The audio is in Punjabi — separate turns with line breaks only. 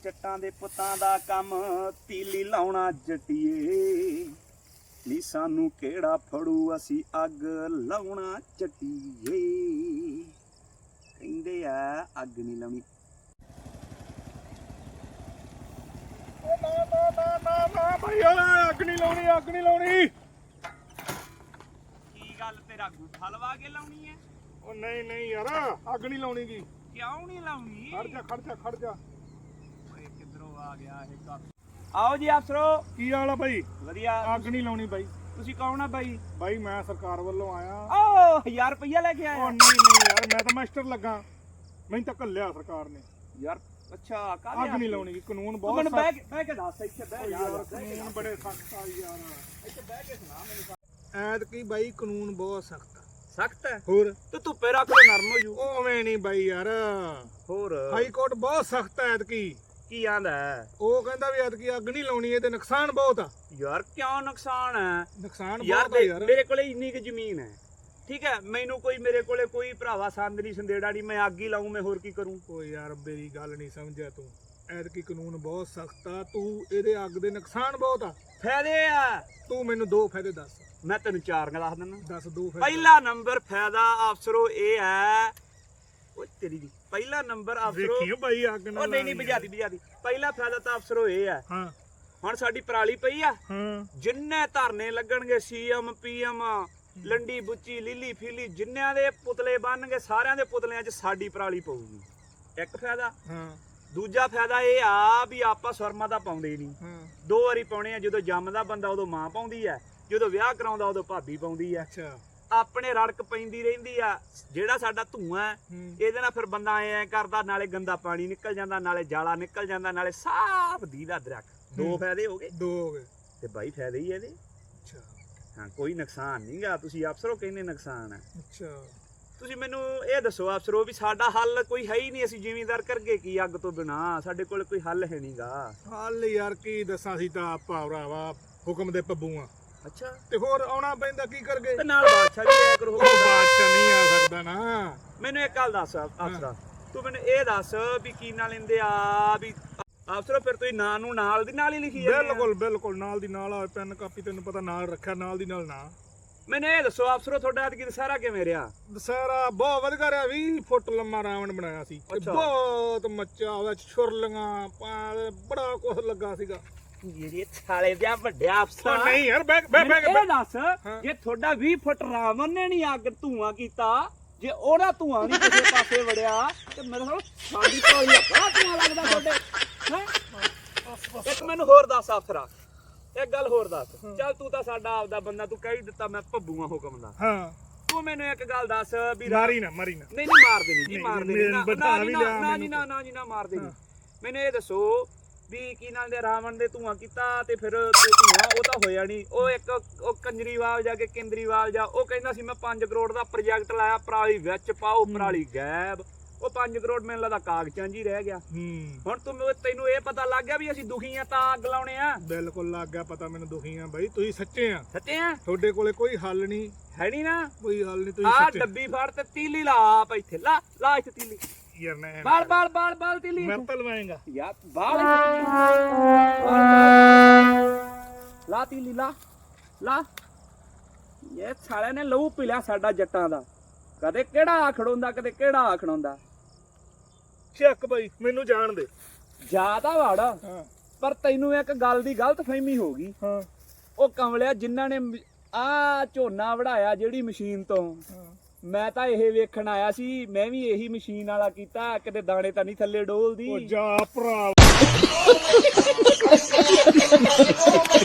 ਜੱਟਾਂ ਦੇ ਪੁੱਤਾਂ ਦਾ ਕੰਮ ਤੀਲੀ ਲਾਉਣਾ ਜੱਟੀਏ ਨੀ ਸਾਨੂੰ ਕਿਹੜਾ ਫੜੂ ਅਸੀਂ ਅੱਗ ਲਾਉਣਾ ਜੱਟੀਏ ਕਹਿੰਦੇ ਆ ਅੱਗ ਨਹੀਂ ਲਾਉਣੀ
ਨਾ ਭਾਈ ਅੱਗ ਨਹੀਂ ਲਾਉਣੀ
ਕੀ ਗੱਲ ਤੇਰਾ ਗੁੱਠਾ ਲਵਾ ਕੇ ਲਾਉਣੀ ਹੈ
ਉਹ ਨਹੀਂ ਯਾਰ ਅੱਗ ਨਹੀਂ ਲਾਉਣੀ ਗੀ
ਕਿਉਂ ਨਹੀਂ ਲਾਉਣੀ
ਖੜ ਜਾ
ਓਏ ਕਿੱਧਰੋਂ ਆ ਗਿਆ ਇਹ ਕੱਪ ਆਓ ਜੀ ਅਫਸਰੋ
ਕੀ ਹਾਲ ਆ ਭਾਈ
ਵਧੀਆ
ਅੱਗ ਨਹੀਂ ਲਾਉਣੀ ਬਾਈ
ਤੁਸੀਂ ਕੌਣ ਆ ਬਾਈ
ਬਾਈ ਮੈਂ ਸਰਕਾਰ ਵੱਲੋਂ ਆਇਆ
ਓ 1000 ਰੁਪਇਆ ਲੈ ਕੇ
ਉਹ
ਆਇਆ
ਨਹੀਂ ਯਾਰ ਮੈਂ ਤਾਂ ਮਾਸਟਰ ਲੱਗਾ ਮੈਨੂੰ ਤਾਂ ਘੱਲਿਆ ਸਰਕਾਰ ਨੇ
ਯਾਰ ਅੱਛਾ ਕਾਹਦੇ
ਅੱਗ ਨਹੀਂ ਲਾਉਣੀ ਗੀ ਕਾਨੂੰਨ
ਤੂੰ
ਬਹੁਤ
ਮੈਨੂੰ
ਸਖਤ
ਬਹਿ ਕੇ ਦੱਸ ਇੱਥੇ ਬਹਿ
ਯਾਰ
ਯਾਰ
ਕਾਨੂੰਨ ਬੜੇ ਸਖਤ ਆ ਯਾਰ
ਇੱਥੇ ਬਹਿ ਕੇ ਸੁਣਾ ਮੈਨੂੰ
ਐਤਕੀ ਬਾਈ ਕਾਨੂੰਨ ਬਹੁਤ ਸਖਤ ਆ
ਸਖਤ ਹੈ
ਹੋਰ
ਤੂੰ ਧੁੱਪੇ ਰੱਖ ਲੈ ਨਰਮ ਹੋ ਜੂ
ਉਵੇਂ ਨਹੀਂ ਬਾਈ ਯਾਰ
ਹੋਰ
ਹਾਈ ਕੋਰਟ ਬਹੁਤ ਸਖਤ ਹੈ ਐਤਕੀ
ਕੀ ਆਂਦਾ
ਉਹ ਕਹਿੰਦਾ ਵੀ ਐਤਕੀ ਅੱਗ ਨਹੀਂ ਲਾਉਣੀ ਇਹਦੇ ਨੁਕਸਾਨ ਬਹੁਤ ਆ
ਯਾਰ ਕਿਉਂ ਨੁਕਸਾਨ ਹੈ
ਨੁਕਸਾਨ
ਯਾਰ
ਬਹੁਤ ਆ ਯਾਰ
ਮੇਰੇ ਕੋਲੇ ਇੰਨੀ ਕੁ ਜ਼ਮੀਨ ਹੈ ਠੀਕ ਹੈ ਮੈਨੂੰ ਕੋਈ ਮੇਰੇ ਕੋਲੇ ਕੋਈ ਭਰਾਵਾ ਸੰਦ ਨਹੀਂ ਸੰਦੇੜਾ ਨਹੀਂ ਮੈਂ ਅੱਗ ਹੀ ਲਾਉਂ ਮੈਂ ਹੋਰ ਕੀ ਕਰੂੰ
ਓ ਯਾਰ ਮੇਰੀ ਗੱਲ ਨਹੀਂ ਸਮਝਿਆ ਤੂੰ ਐਤਕੀ ਕਾਨੂੰਨ ਬਹੁਤ ਸਖਤ ਆ ਤੂੰ ਇਹਦੇ ਅੱਗ ਦੇ ਨੁਕਸਾਨ ਬਹੁਤ ਆ
ਫਾਇਦੇ ਆ
ਤੂੰ ਮੈਨੂੰ ਦੋ ਫਾਇਦੇ ਦੱਸ
ਮੈਂ ਤੈਨੂੰ ਚਾਰ ਦੱਸ ਦਿੰਦਾ
ਦੱਸ ਦੋ ਫਾਇਦੇ
ਪਹਿਲਾ ਨੰਬਰ ਫਾਇਦਾ ਅਫਸਰੋ ਇਹ ਹੈ ਓ ਤੇਰੀ ਦੀ ਪਹਿਲਾ ਨੰਬਰ ਅਫਸਰੋ
ਵੇਖੀਓ ਬਾਈ ਅੱਗ
ਉਹ
ਨਾਲ
ਨਹੀਂ ਬੁਝਾਦੀ ਪਹਿਲਾ ਫਾਇਦਾ ਤਾਂ ਅਫਸਰੋ ਇਹ ਹੈ
ਹਾਂ
ਹੁਣ ਸਾਡੀ ਪਰਾਲੀ ਪਈ ਆ
ਹਾਂ
ਜਿੰਨੇ ਧਰਨੇ ਲੱਗਣਗੇ ਸੀਐਮ ਪੀਐਮ ਲੰਡੀ ਬੁੱਚੀ ਲੀਲੀ ਫੀਲੀ ਜਿੰਨਿਆਂ ਦੇ ਪੁਤਲੇ ਬਣਨਗੇ ਸਾਰਿਆਂ ਦੇ ਪੁਤਲਿਆਂ 'ਚ ਸਾਡੀ ਪਰਾਲੀ ਪਊਗੀ ਇੱਕ ਫਾਇਦਾ
ਹਾਂ
ਦੂਜਾ ਫਾਇਦਾ ਇਹ ਆ ਵੀ ਆਪਾਂ ਸੁਰਮਾ ਤਾਂ ਪਾਉਂਦੇ ਹੀ ਨਹੀਂ
ਹਾਂ
ਦੋ ਵਾਰੀ ਪਾਉਣੇ ਆ ਜਦੋਂ ਜੰਮਦਾ ਬੰਦਾ ਉਦੋਂ ਮਾਂ ਪਾਉਂਦੀ ਆ ਜਦੋਂ ਵਿਆਹ ਕਰਾਉਂਦਾ ਉਦੋਂ ਭਾਬੀ ਪਾਉਂਦੀ ਆ
ਅੱਛਾ
ਆਪਣੇ ਰੜਕ ਪੈਂਦੀ ਰਹਿੰਦੀ ਆ ਜਿਹੜਾ ਸਾਡਾ ਧੂਆਂ ਹੈ ਇਹਦੇ ਨਾਲ ਫਿਰ ਬੰਦਾ ਐ ਕਰਦਾ ਨਾਲੇ ਗੰਦਾ ਪਾਣੀ ਨਿਕਲ ਜਾਂਦਾ ਨਾਲੇ ਜਾਲਾ ਨਿਕਲ ਜਾਂਦਾ ਨਾਲੇ ਸਾਫ਼ ਦੀਦਾ ਦਰਖਤ ਦੋ ਫਾਇਦੇ ਹੋ ਗਏ
ਦੋ ਹੋ ਗਏ
ਤੇ ਬਾਈ ਫਾਇਦੇ ਹੀ ਇਹਦੇ
ਅੱਛਾ
ਹਾਂ ਕੋਈ ਨੁਕਸਾਨ ਨਹੀਂਗਾ ਤੁਸੀਂ ਅਫਸਰੋ ਕਹਿੰਦੇ ਨੁਕਸਾਨ ਹੈ
ਅੱਛਾ
ਤੁਸੀਂ ਮੈਨੂੰ ਇਹ ਦੱਸੋ ਅਫਸਰੋ ਵੀ ਸਾਡਾ ਹੱਲ ਕੋਈ ਹੈ ਹੀ ਨਹੀਂ ਅਸੀਂ ਜ਼ਿਮੀਂਦਾਰ ਕਰਗੇ ਕੀ ਅੱਗ ਤੋਂ ਬਿਨਾ ਸਾਡੇ ਕੋਲ ਕੋਈ ਹੱਲ ਹੈ ਨਹੀਂਗਾ
ਹਾਲ ਯਾਰ ਕੀ ਦੱਸਾਂ ਸੀ ਤਾਂ ਆਪਾਂ ਭਰਾਵਾ ਹੁਕਮ ਦੇ ਪੱਬੂ ਆ
ਅੱਛਾ
ਤੇ ਹੋਰ ਆਉਣਾ ਪੈਂਦਾ ਕੀ ਕਰਗੇ
ਤੇ ਨਾਲ ਬਾਦਸ਼ਾਹ ਵੀ ਆਇਆ ਕਰੋ
ਉਹ ਬਾਦਸ਼ਾਹ ਨਹੀਂ ਆ ਸਕਦਾ ਨਾ
ਮੈਨੂੰ ਇੱਕ ਗੱਲ ਦੱਸ ਅਫਸਰਾ ਤੂੰ ਮੈਨੂੰ ਇਹ ਦੱਸ ਵੀ ਕੀ ਨਾਂ ਲੈਂਦੇ ਆ ਵੀ ਅਫਸਰੋ ਫਿਰ ਤੁਸੀਂ ਨਾਂ ਨੂੰ ਨਾਲ ਦੀ ਨਾਲ ਹੀ ਲਿਖੀ ਜਾਂਦੇ ਆ
ਬਿਲਕੁਲ ਨਾਲ ਦੀ ਨਾਲ ਆ ਪੈਨ ਕਾਪੀ ਤੈਨੂੰ ਪਤਾ ਨਾਲ ਰੱਖਿਆ ਨਾਲ ਦੀ ਨਾਲ ਨਾ
ਮੈਨੂੰ ਇਹ ਦੱਸੋ ਅਫਸਰੋ ਤੁਹਾਡਾ ਅੱਜ ਸਾਰਾ ਕਿਵੇਂ ਰਿਹਾ
ਦਸਹਿਰਾ ਬਹੁਤ ਵਧੀਆ ਰਿਹਾ 20 ਫੁੱਟ ਲੰਮਾ ਰਾਵਣ ਬਣਾਇਆ ਸੀ ਤੇ ਬਹੁਤ ਮੱਚਾ ਉਹਦਾ ਛੁਰਲੀਆਂ ਬੜਾ ਕੁਝ ਲੱਗਾ ਸੀਗਾ
ਜਿਹੜੇ ਸਾਲੇ ਦੇ ਵੱਡਿਆ ਅਫਸਰ
ਨਹੀਂ ਯਾਰ ਬੈਕ
ਇਹ ਦੱਸ ਜੇ ਤੁਹਾਡਾ 20 ਫੁੱਟ ਰਾਵਣ ਨੇ ਨਹੀਂ ਅੱਗ ਧੂਆਂ ਕੀਤਾ ਜੇ ਉਹਦਾ ਧੂਆਂ ਨਹੀਂ ਕਿਸੇ ਪਾਸੇ ਵੜਿਆ ਤੇ ਮੇਰੇ ਨਾਲ ਸਾਡੀ ਕੋਈ ਬੜਾ ਧੂਆਂ ਲੱਗਦਾ ਤੁਹਾਡੇ ਹੈ ਇੱਕ ਮੈਨੂੰ ਹੋਰ ਦੱਸ ਅਫਸਰਾ ਇੱਕ ਗੱਲ ਹੋਰ ਦੱਸ ਚੱਲ ਤੂੰ ਤਾਂ ਸਾਡਾ ਆਪਦਾ ਬੰਦਾ ਤੂੰ ਕਹਿ ਹੀ ਦਿੱਤਾ ਮੈਂ ਭੱਬੂਆਂ ਹੁਕਮ ਦਾ
ਹਾਂ
ਤੂੰ ਮੈਨੂੰ ਇੱਕ ਗੱਲ ਦੱਸ ਵੀ
ਮਾਰੀ ਨਾ
ਨਹੀਂ ਮਾਰਦੇ ਨਹੀਂ ਜੀ ਮਾਰਦੇ ਨਹੀਂ ਨਾ ਮਾਰਦੇ ਨਹੀਂ ਮੈਨੂੰ ਇਹ ਦੱਸੋ ਵੀ ਕੀ ਨਾਲ ਦੇ ਰਾਵਣ ਦੇ ਧੂਆਂ ਕੀਤਾ ਤੇ ਫਿਰ ਧੂਆਂ ਉਹ ਤਾਂ ਹੋਇਆ ਨਹੀਂ ਉਹ ਇੱਕ ਉਹ ਕੰਜਰੀਵਾਲ ਜਾ ਕੇ ਕੇਂਦਰੀਵਾਲ ਜਾ ਉਹ ਕਹਿੰਦਾ ਸੀ ਮੈਂ 5 ਕਰੋੜ ਦਾ ਪ੍ਰੋਜੈਕਟ ਲਾਇਆ ਪਰਾਲੀ ਵਿੱਚ ਪਾਓ ਪਰਾਲੀ ਗਾਇਬ ਉਹ 5 ਕਰੋੜ ਮੈਨੂੰ ਲੱਗਦਾ ਕਾਗਜ਼ਾਂ 'ਚ ਹੀ ਰਹਿ ਗਿਆ ਹੁਣ ਤੈਨੂੰ ਇਹ ਪਤਾ ਲੱਗ ਗਿਆ ਵੀ ਅਸੀਂ ਦੁਖੀ ਆ ਤਾਂ ਅੱਗ ਲਾਉਣੇ ਆ
ਬਿਲਕੁਲ ਲੱਗ ਗਿਆ ਪਤਾ ਮੈਨੂੰ ਦੁਖੀ ਆ ਬਾਈ ਤੁਸੀਂ ਸੱਚੇ ਆ ਤੁਹਾਡੇ ਕੋਲੇ ਕੋਈ ਹੱਲ ਨਹੀਂ
ਹੈ ਨਹੀਂ ਨਾ
ਕੋਈ ਹੱਲ ਨਹੀਂ ਤੁਸੀਂ
ਆ
ਸੱਚੇ
ਡੱਬੀ ਫੜ ਤੇ ਤੀਲੀ ਲਾ ਆਪ ਇੱਥੇ ਲਾ ਇੱਥੇ ਤੀਲੀ
ਯਾਰ ਨਾ
ਬਾਲ ਤੀਲੀ
ਮੈਂ ਤਾਂ ਲਵਾਏਗਾ
ਯਾਰ ਬਾਲ ਲਾ ਤੀਲੀ ਲਾ ਇਹ ਸਾਲੇ ਨੇ ਲਹੂ ਪੀ ਲਿਆ ਸਾਡਾ ਜੱਟਾਂ ਦਾ ਕਦੇ ਕਿਹੜਾ ਆਖੜੋਂਦਾ ਕਦੇ ਕਿਹੜਾ ਆਖੜੋਂਦਾ
ਚੱਕ ਬਾਈ ਮੈਨੂੰ ਜਾਣ ਦੇ
ਜ਼ਿਆਦਾ ਵੜ
ਹਾਂ
ਪਰ ਤੈਨੂੰ ਇੱਕ ਗੱਲ ਦੀ ਗਲਤਫਹਿਮੀ ਹੋ ਗਈ
ਹਾਂ
ਉਹ ਕਮਲਿਆ ਜਿਨ੍ਹਾਂ ਨੇ ਆ ਝੋਨਾ ਵਢਾਇਆ ਜਿਹੜੀ ਮਸ਼ੀਨ ਤੋਂ ਮੈਂ ਤਾਂ ਇਹ ਵੇਖਣ ਆਇਆ ਸੀ ਮੈਂ ਵੀ ਇਹੀ ਮਸ਼ੀਨ ਵਾਲਾ ਕੀਤਾ ਕਿਤੇ ਦਾਣੇ ਤਾਂ ਨਹੀਂ ਥੱਲੇ ਡੋਲਦੀ
ਉਹ ਜਾ ਭਰਾ